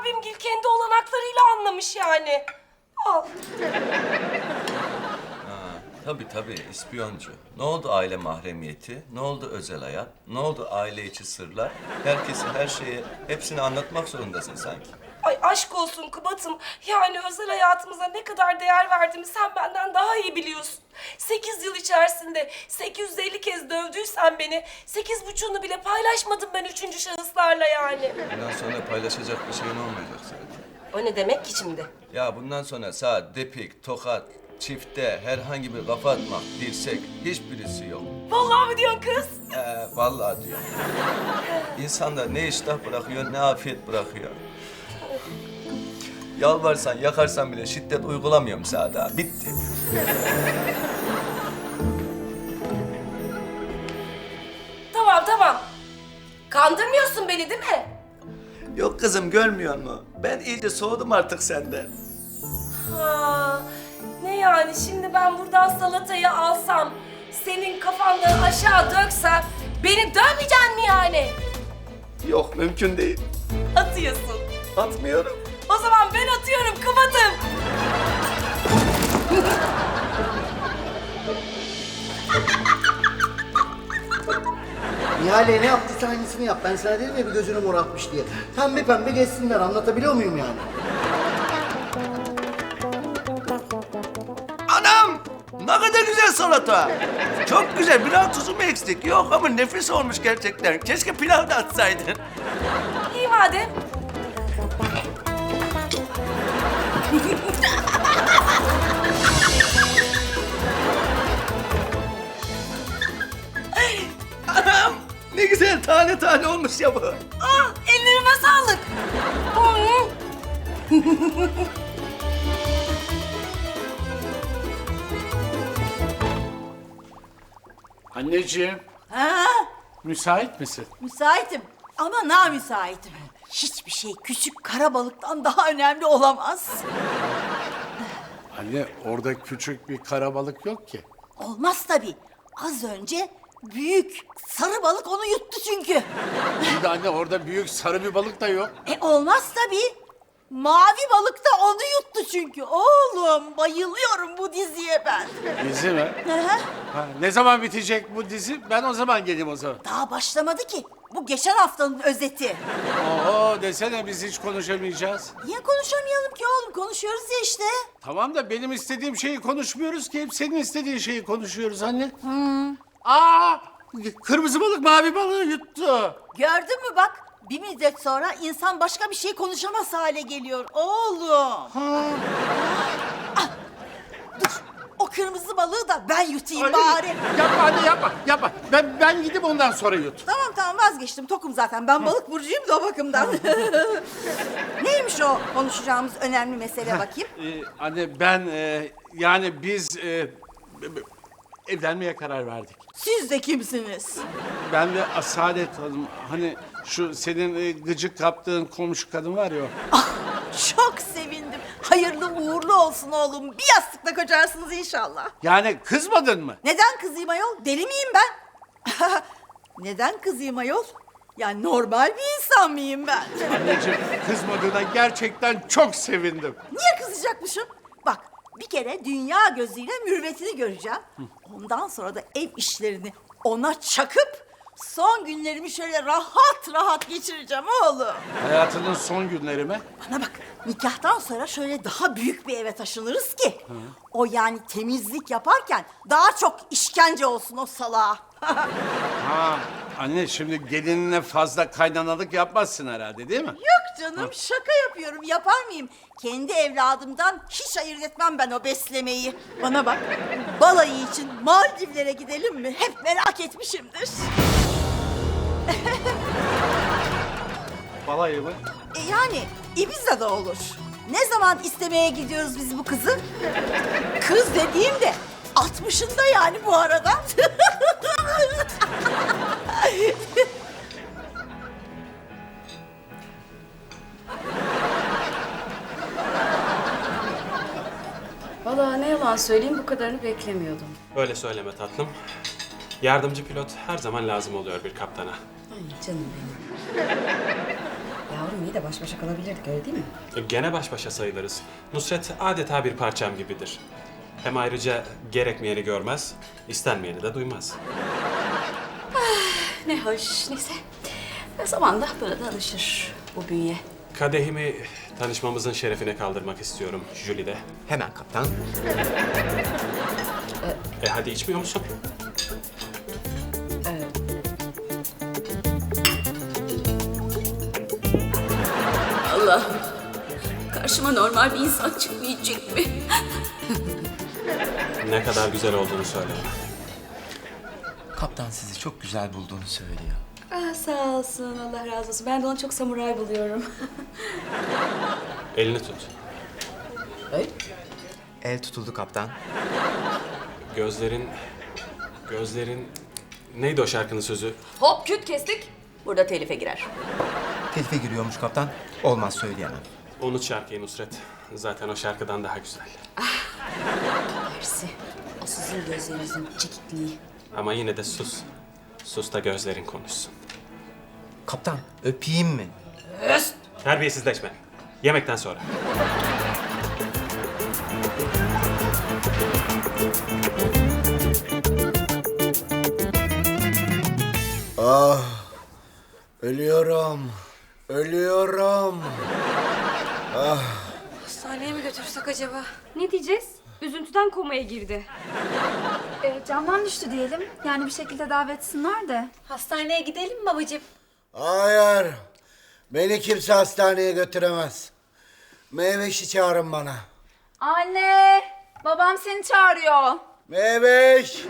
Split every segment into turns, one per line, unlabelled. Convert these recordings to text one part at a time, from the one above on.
abimgil kendi olanaklarıyla anlamış yani. Al.
Tabii ispiyoncu. Ne oldu aile mahremiyeti? Ne oldu özel hayat? Ne oldu aile içi sırlar? Herkese her şeye hepsini anlatmak zorundasın sanki.
Ay aşk olsun Kubat'ım. Yani özel hayatımıza ne kadar değer verdiğimi sen benden daha iyi biliyorsun. 8 yıl içerisinde 850 kez dövdüysen beni, 8,5'unu bile paylaşmadım ben üçüncü şahıslarla yani.
Bundan sonra paylaşacak bir şeyin olmayacak zaten.
O ne demek ki şimdi?
Ya bundan sonra sağ, depik, tokat, çifte, herhangi bir kafa atmak, dirsek hiçbirisi yok.
Vallahi mi diyorsun kız?
Vallahi diyor. İnsanda ne iştah bırakıyor, ne afiyet bırakıyor. Yalvarsan, yakarsan bile şiddet uygulamıyorum sana daha. Bitti.
Tamam. Kandırmıyorsun beni değil mi?
Yok kızım, görmüyor musun? Ben iyice soğudum artık senden.
Ha, ne yani şimdi ben buradan salatayı alsam, senin kafandan aşağı döksem, beni dövmeyeceksin mi yani?
Yok, mümkün değil.
Atıyorsun.
Atmıyorum.
O zaman ben atıyorum Kubat'ım.
Nihale ne yaptıysa aynısını yap. Ben sana dedim ya bir gözünü morartmış diye. Pembe pembe geçsinler. Anlatabiliyor muyum yani?
Anam! Ne kadar güzel salata. Çok güzel. Biraz tuzu mu eksik? Yok ama nefis olmuş gerçekten. Keşke pilav da atsaydın.
İyi madem.
Anam! Ne güzel tane tane olmuş ya bu.
Ah, ellerime sağlık. Hı.
Anneciğim,
Ha,
müsait misin?
müsaitim ama namüsaitim. Hiçbir şey küçük kara balıktan daha önemli olamaz.
Anne, orada küçük bir karabalık yok ki.
Olmaz tabii. Az önce büyük sarı balık onu yuttu çünkü.
İyi de anne, orada büyük sarı bir balık da yok.
Olmaz tabii. Mavi balık da onu yuttu çünkü. Oğlum bayılıyorum bu diziye ben.
Dizi mi?
Hı hı.
Ha, ne zaman bitecek bu dizi? Ben o zaman geleyim o zaman.
Daha başlamadı ki. Bu geçen haftanın özeti.
Oo, desene biz hiç konuşamayacağız.
Niye konuşamayalım ki oğlum? Konuşuyoruz ya işte.
Tamam da benim istediğim şeyi konuşmuyoruz ki. Hep senin istediğin şeyi konuşuyoruz anne. Aa! Kırmızı balık mavi balığı yuttu.
Gördün mü bak? Bir müddet sonra insan başka bir şey konuşamaz hale geliyor oğlum. Ah, dur, o kırmızı balığı da ben yutayım
Ay,
bari.
Yapma anne, yapma. Ben gidip ondan sonra yut.
Tamam vazgeçtim, tokum zaten. Ben balık burcuyum da o bakımdan. Neymiş o konuşacağımız önemli mesele bakayım?
Anne ben yani biz evlenmeye karar verdik.
Siz de kimsiniz?
Ben ve Asalet Hanım, hani şu senin gıcık kaptığın komşu kadın var ya o.
Ah, çok sevindim. Hayırlı uğurlu olsun oğlum. Bir yastıkla kocarsınız inşallah.
Yani kızmadın mı?
Neden kızayım ayol? Deli miyim ben? Neden kızayım ayol? Ya normal bir insan mıyım ben?
Anneciğim, kızmadığına gerçekten çok sevindim.
Niye kızacakmışım? Bak, bir kere dünya gözüyle mürüvvetini göreceğim. Ondan sonra da ev işlerini ona çakıp son günlerimi şöyle rahat rahat geçireceğim oğlum.
Hayatının son günleri mi?
Bana bak, nikahtan sonra şöyle daha büyük bir eve taşınırız ki o yani temizlik yaparken daha çok işkence olsun o salağa.
Ha, anne şimdi gelinine fazla kaynanalık yapmazsın herhalde, değil mi?
Yok canım, şaka yapıyorum. Yapar mıyım? Kendi evladımdan hiç ayırt etmem ben o beslemeyi. Bana bak, balayı için Maldivlere gidelim mi? Hep merak etmişimdir.
Balayı mı?
Yani Ibiza'da olur. Ne zaman istemeye gidiyoruz biz bu kızı? Kız dediğim de 60'ında yani bu arada.
Vallahi ne yalan söyleyeyim, bu kadarını beklemiyordum.
Öyle söyleme tatlım. Yardımcı pilot her zaman lazım oluyor bir kaptana.
Ay canım benim. Yavrum iyi de baş başa kalabilirdik, öyle değil mi?
Gene baş başa sayılırız. Nusret adeta bir parçam gibidir. Hem ayrıca gerekmeyeni görmez, istenmeyeni de duymaz.
Ne hoş, neyse. Zamanla böyle de alışır bu bünye.
Kadehimi tanışmamızın şerefine kaldırmak istiyorum Jülide.
Hemen kaptan.
Hadi içmiyor musun?
Allah'ım, karşıma normal bir insan çıkmayacak mı?
Ne kadar güzel olduğunu söyle.
Kaptan sizi çok güzel bulduğunu söylüyor.
Ah, sağ olsun, Allah razı olsun. Ben de onu çok samuray buluyorum.
Elini tut.
El tutuldu kaptan.
Gözlerin... Neydi o şarkının sözü?
Hop küt kestik. Burada telife girer.
Telife giriyormuş kaptan. Olmaz söyleyemem.
Unut şarkıyı Nusret. Zaten o şarkıdan daha güzel.
Mersi. O sizin gözlerinizin çekikliği.
Ama yine de sus. Sus da gözlerin konuşsun.
Kaptan öpeyim mi?
Terbiyesizleşme. Yemekten sonra.
Ölüyorum. Ölüyorum.
Hastaneye mi götürsek acaba?
Ne diyeceğiz? Üzüntüden komaya girdi.
Camdan düştü diyelim. Yani bir şekilde davetsinler de. Hastaneye gidelim mi babacığım?
Hayır. Beni kimse hastaneye götüremez. Meyveş'i çağırın bana.
Anne! Babam seni çağırıyor.
Meyveş!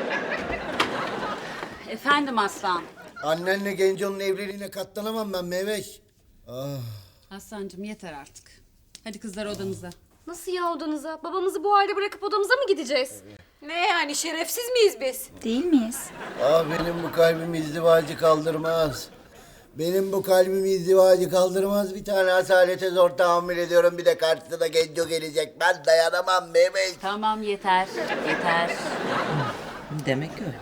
Efendim aslan.
Annenle Genco'nun evliliğine katlanamam ben Meyveş.
Aslancığım yeter artık. Hadi kızlar odanıza.
Nasıl ya odanıza? Babamızı bu halde bırakıp odamıza mı gideceğiz?
Ne yani şerefsiz miyiz biz? Değil miyiz?
Benim bu kalbim izdivacı kaldırmaz. Benim bu kalbim izdivacı kaldırmaz. Bir tane asalete zor tahammül ediyorum. Bir de karşısına Genco gelecek. Ben dayanamam Meyveş.
Tamam yeter. Yeter.
Demek öyle.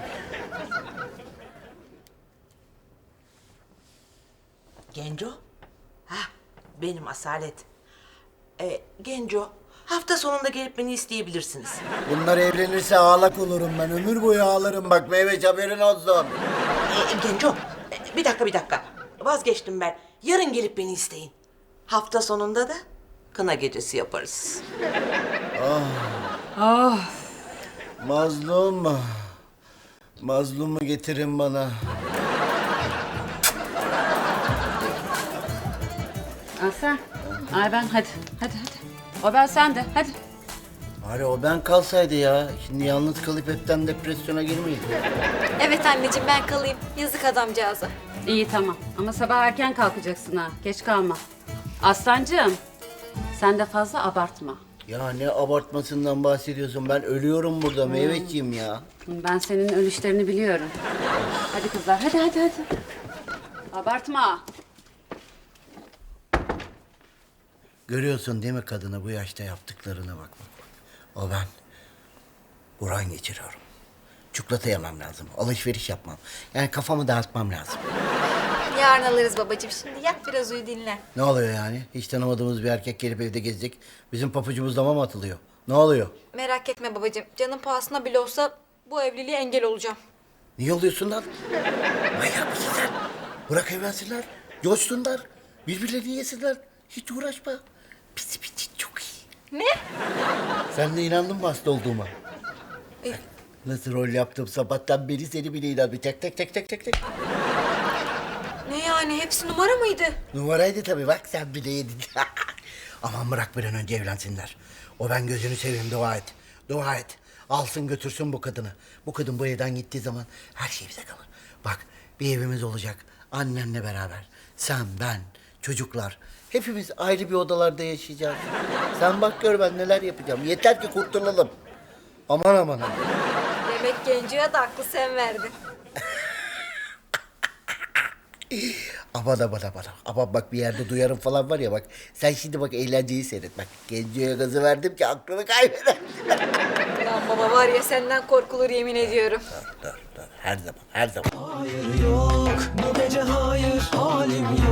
Genco? Hah, benim Asalet. Genco, hafta sonunda gelip beni isteyebilirsiniz.
Bunlar evlenirse ağlak olurum ben. Ömür boyu ağlarım bak Meyveş haberin olsun.
Genco, bir dakika. Vazgeçtim ben. Yarın gelip beni isteyin. Hafta sonunda da kına gecesi yaparız.
Mazlum. Mazlumu getirin bana.
Aslan. Ay ben hadi. Hadi. O ben sen de hadi.
Bari o ben kalsaydı ya. Şimdi yalnız kalıp hepten depresyona girmeyin.
Evet anneciğim ben kalayım. Yazık adamcağıza.
İyi tamam ama sabah erken kalkacaksın ha. Geç kalma. Aslancığım sen de fazla abartma.
Ya ne abartmasından bahsediyorsun? Ben ölüyorum burada Meyveciğim ya.
Ben senin ölüşlerini biliyorum. Hadi kızlar hadi. Abartma.
Görüyorsun değil mi kadına bu yaşta yaptıklarına bak. O ben. Buran geçiriyorum. Çikolata yemem lazım. Alışveriş yapmam. Yani kafamı dağıtmam lazım.
Yarın alırız babacığım. Şimdi yat biraz uyu dinlen.
Ne oluyor yani? Hiç tanımadığımız bir erkek gelip evde gezecek. Bizim papucumuz dama mı atılıyor? Ne oluyor?
Merak etme babacığım. Canın pahasına bile olsa bu evliliğe engel olacağım.
Niye oluyorsun lan? Manyak mısın sen? Bırak evlensinler. Coşsunlar. Birbirlerini yesinler. Hiç uğraşma. Bizim için çok iyi.
Ne?
Sen de inandın mı hasta olduğuma? Nasıl rol yaptım sabahtan beri seni bile inandı. Tek.
Ne yani? Hepsi numara mıydı?
Numaraydı tabii bak sen bile yedin. Aman bırak bir an önce evlensinler. O ben gözünü seveyim dua et. Dua et. Alsın götürsün bu kadını. Bu kadın bu evden gittiği zaman her şey bize kalır. Bak bir evimiz olacak. Annenle beraber. Sen, ben, çocuklar. Hepimiz ayrı bir odalarda yaşayacağız. Sen bak gör ben neler yapacağım. Yeter ki kurtulalım. Aman.
Demek Genco'ya da aklı sen verdin.
Aman. Ama bak bir yerde duyarım falan var ya bak. Sen şimdi bak eğlenceyi seyret bak. Genco'ya gazı verdim ki aklını kaybeder.
Lan baba var ya senden korkulur yemin ediyorum.
Dur. Her zaman.
Hayır yok bu gece hayır halim